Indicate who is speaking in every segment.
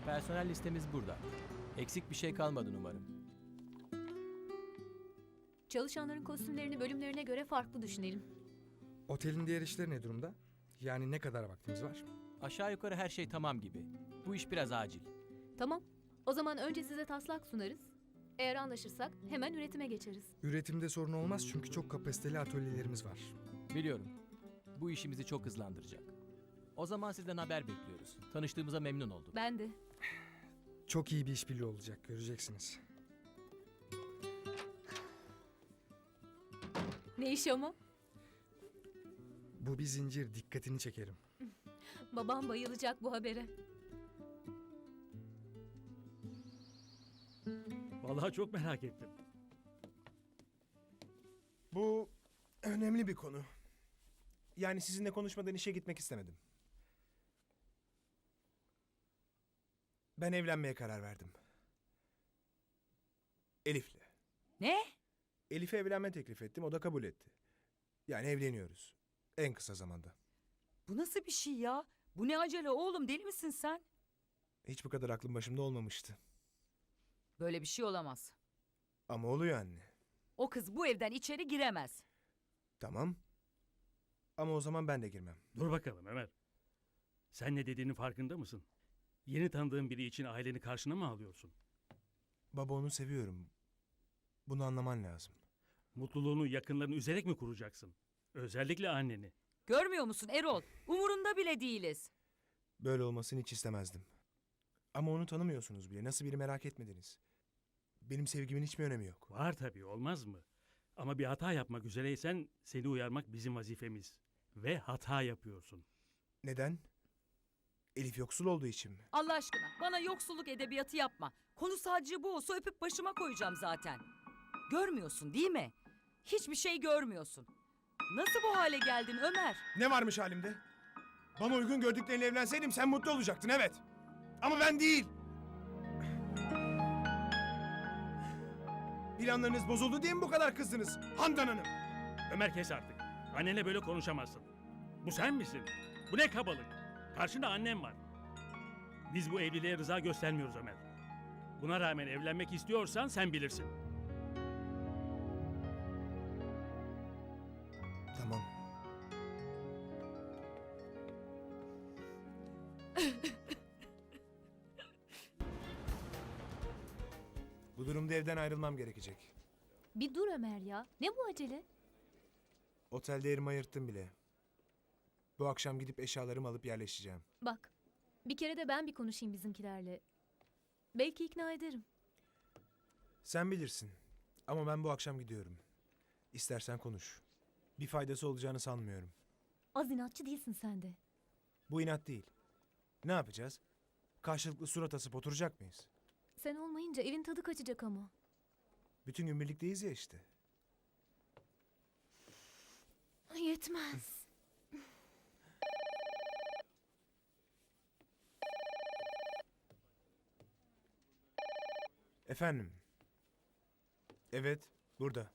Speaker 1: Personel listemiz burada. Eksik bir şey kalmadı umarım.
Speaker 2: Çalışanların kostümlerini bölümlerine göre farklı düşünelim.
Speaker 3: Otelin diğer işleri ne durumda? Yani ne kadar vaktimiz var?
Speaker 1: Aşağı yukarı her şey tamam gibi. Bu iş biraz acil.
Speaker 2: Tamam. O zaman önce size taslak sunarız. Eğer anlaşırsak hemen üretime geçeriz.
Speaker 3: Üretimde sorun olmaz çünkü çok kapasiteli atölyelerimiz var.
Speaker 1: Biliyorum. Bu işimizi çok hızlandıracak. O zaman sizden haber bekliyoruz. Tanıştığımıza memnun oldum.
Speaker 2: Ben de.
Speaker 3: Çok iyi bir işbirliği olacak, göreceksiniz.
Speaker 2: Ne iş ama?
Speaker 3: Bu bir zincir, dikkatini çekerim.
Speaker 2: Babam bayılacak bu habere.
Speaker 4: Vallahi çok merak ettim.
Speaker 5: Bu önemli bir konu. Yani sizinle konuşmadan işe gitmek istemedim. Ben evlenmeye karar verdim. Elif'le.
Speaker 6: Ne?
Speaker 5: Elif'e evlenme teklif ettim, o da kabul etti. Yani evleniyoruz. En kısa zamanda.
Speaker 6: Bu nasıl bir şey ya? Bu ne acele oğlum, deli misin sen?
Speaker 5: Hiç bu kadar aklım başımda olmamıştı.
Speaker 6: Böyle bir şey olamaz.
Speaker 5: Ama oluyor anne.
Speaker 6: O kız bu evden içeri giremez.
Speaker 5: Tamam. Ama o zaman ben de girmem.
Speaker 4: Dur bakalım Ömer. Sen ne dediğinin farkında mısın? Yeni tanıdığın biri için aileni karşına mı alıyorsun?
Speaker 5: Baba, onu seviyorum. Bunu anlaman lazım.
Speaker 4: Mutluluğunu yakınlarını üzerek mi kuracaksın? Özellikle anneni.
Speaker 6: Görmüyor musun Erol? Umurunda bile değiliz.
Speaker 5: Böyle olmasını hiç istemezdim. Ama onu tanımıyorsunuz bile. Nasıl biri merak etmediniz. Benim sevgimin hiçbir önemi yok.
Speaker 4: Var tabii, olmaz mı? Ama bir hata yapmak üzereysen seni uyarmak bizim vazifemiz. Ve hata yapıyorsun.
Speaker 5: Neden? Elif yoksul olduğu için mi?
Speaker 6: Allah aşkına bana yoksulluk edebiyatı yapma. Konu sadece bu olsa öpüp başıma koyacağım zaten. Görmüyorsun değil mi? Hiçbir şey görmüyorsun. Nasıl bu hale geldin Ömer?
Speaker 5: Ne varmış halimde? Bana uygun gördüklerine evlenseydim sen mutlu olacaktın, evet. Ama ben değil. Planlarınız bozuldu diye mi bu kadar kızdınız Handan Hanım?
Speaker 4: Ömer kes artık. Annenle böyle konuşamazsın. Bu sen misin? Bu ne kabalık? Karşında annem var. Biz bu evliliğe rıza göstermiyoruz Ömer. Buna rağmen evlenmek istiyorsan sen bilirsin.
Speaker 5: Tamam. Bu durumda evden ayrılmam gerekecek.
Speaker 2: Bir dur Ömer ya. Ne bu acele?
Speaker 5: Otelde yerimi ayırttım bile. Bu akşam gidip eşyalarımı alıp yerleşeceğim.
Speaker 2: Bak. Bir kere de ben bir konuşayım bizimkilerle. Belki ikna ederim.
Speaker 5: Sen bilirsin. Ama ben bu akşam gidiyorum. İstersen konuş. Bir faydası olacağını sanmıyorum.
Speaker 2: Az inatçı değilsin sen de.
Speaker 5: Bu inat değil. Ne yapacağız? Karşılıklı surat asıp oturacak mıyız?
Speaker 2: Sen olmayınca evin tadı kaçacak ama.
Speaker 5: Bütün gün birlikteyiz ya işte.
Speaker 2: Yetmez.
Speaker 5: Efendim? Evet, burada.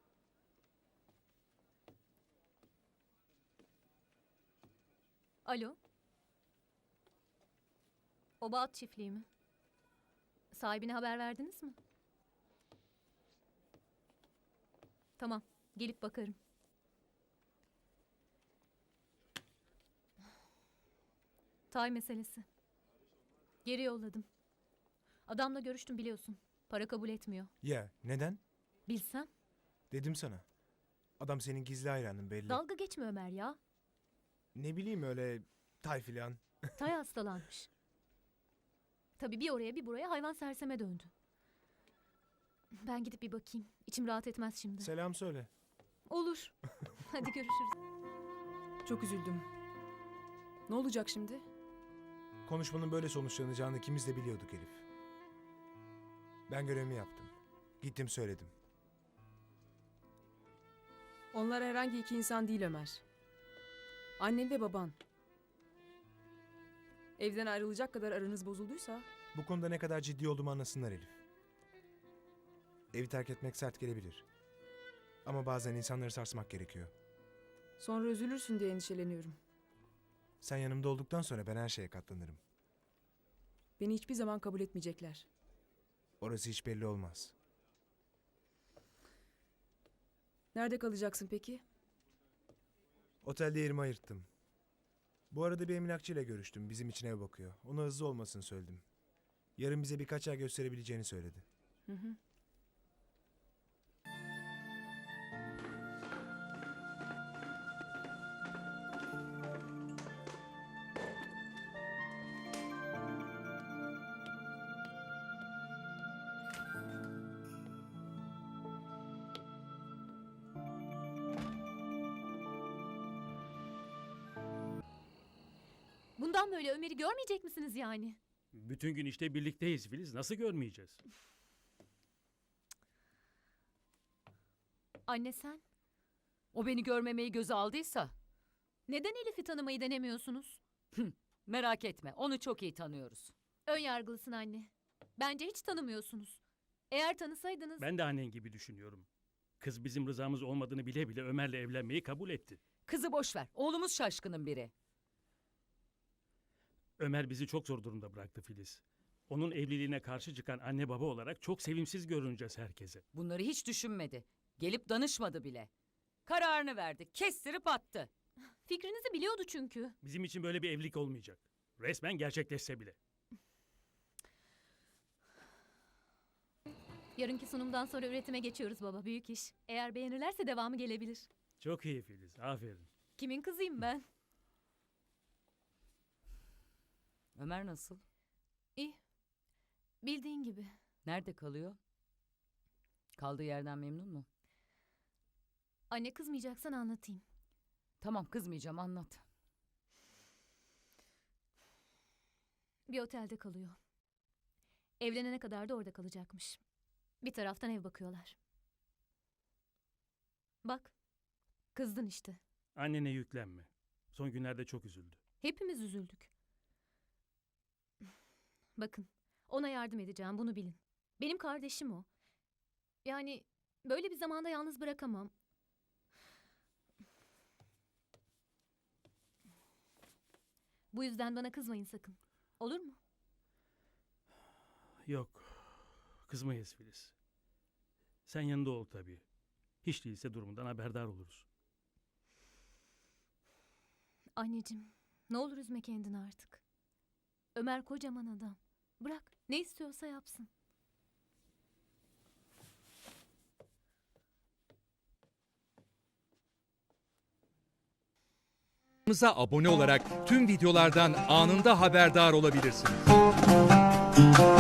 Speaker 2: Alo. Oba at çiftliği mi? Sahibine haber verdiniz mi? Tamam, gelip bakarım. Tay meselesi. Geri yolladım. Adamla görüştüm biliyorsun. Para kabul etmiyor.
Speaker 5: Ya, neden?
Speaker 2: Bilsem.
Speaker 5: Dedim sana. Adam senin gizli hayranın belli.
Speaker 2: Dalga geçme Ömer ya.
Speaker 5: Ne bileyim, öyle tay filan.
Speaker 2: Tay hastalanmış. Tabii bir oraya bir buraya hayvan serseme döndü. Ben gidip bir bakayım. İçim rahat etmez şimdi.
Speaker 5: Selam söyle.
Speaker 2: Olur. Hadi görüşürüz.
Speaker 7: Çok üzüldüm. Ne olacak şimdi?
Speaker 5: Konuşmanın böyle sonuçlanacağını ikimiz de biliyorduk Elif. Ben görevimi yaptım. Gittim söyledim.
Speaker 7: Onlar herhangi iki insan değil Ömer. Annen ve baban. Evden ayrılacak kadar aranız bozulduysa...
Speaker 5: Bu konuda ne kadar ciddi olduğumu anlasınlar Elif. Evi terk etmek sert gelebilir. Ama bazen insanları sarsmak gerekiyor.
Speaker 7: Sonra üzülürsün diye endişeleniyorum.
Speaker 5: Sen yanımda olduktan sonra ben her şeye katlanırım.
Speaker 7: Beni hiçbir zaman kabul etmeyecekler.
Speaker 5: Orası hiç belli olmaz.
Speaker 7: Nerede kalacaksın peki?
Speaker 5: Otelde yerimi ayırttım. Bu arada bir emlakçıyla görüştüm. Bizim için ev bakıyor. Ona hızlı olmasını söyledim. Yarın bize birkaç yer gösterebileceğini söyledi.
Speaker 7: Hı hı.
Speaker 2: Bundan böyle Ömer'i görmeyecek misiniz yani?
Speaker 4: Bütün gün işte birlikteyiz Filiz. Nasıl görmeyeceğiz?
Speaker 2: Anne sen
Speaker 6: O beni görmemeyi göze aldıysa
Speaker 2: neden Elif'i tanımayı denemiyorsunuz?
Speaker 6: merak etme, onu çok iyi tanıyoruz.
Speaker 2: Ön yargılısın anne. Bence hiç tanımıyorsunuz. Eğer tanısaydınız...
Speaker 4: Ben de annen gibi düşünüyorum. Kız bizim rızamız olmadığını bile bile Ömer'le evlenmeyi kabul etti.
Speaker 6: Kızı boş ver, oğlumuz şaşkının biri.
Speaker 4: Ömer bizi çok zor durumda bıraktı Filiz. Onun evliliğine karşı çıkan anne baba olarak çok sevimsiz görüneceğiz herkese.
Speaker 6: Bunları hiç düşünmedi. Gelip danışmadı bile. Kararını verdi, kestirip attı.
Speaker 2: Fikrinizi biliyordu çünkü.
Speaker 4: Bizim için böyle bir evlilik olmayacak. Resmen gerçekleşse bile.
Speaker 2: Yarınki sunumdan sonra üretime geçiyoruz baba. Büyük iş. Eğer beğenirlerse devamı gelebilir.
Speaker 4: Çok iyi Filiz, aferin.
Speaker 2: Kimin kızıyım ben?
Speaker 6: Ömer nasıl?
Speaker 2: İyi. Bildiğin gibi.
Speaker 6: Nerede kalıyor? Kaldığı yerden memnun mu?
Speaker 2: Anne kızmayacaksan anlatayım.
Speaker 6: Tamam, kızmayacağım, anlat.
Speaker 2: Bir otelde kalıyor. Evlenene kadar da orada kalacakmış. Bir taraftan ev bakıyorlar. Bak. Kızdın işte.
Speaker 4: Annene yüklenme. Son günlerde çok üzüldü.
Speaker 2: Hepimiz üzüldük. Bakın, ona yardım edeceğim, bunu bilin. Benim kardeşim o. Yani böyle bir zamanda yalnız bırakamam. Bu yüzden bana kızmayın sakın. Olur mu?
Speaker 4: Yok, kızmayız Filiz. Sen yanında ol tabii. Hiç değilse durumundan haberdar oluruz.
Speaker 2: Anneciğim, ne olur üzme kendini artık. Ömer kocaman adam. Bırak, ne istiyorsa yapsın.
Speaker 8: Kanalımıza abone olarak tüm videolardan anında haberdar olabilirsiniz.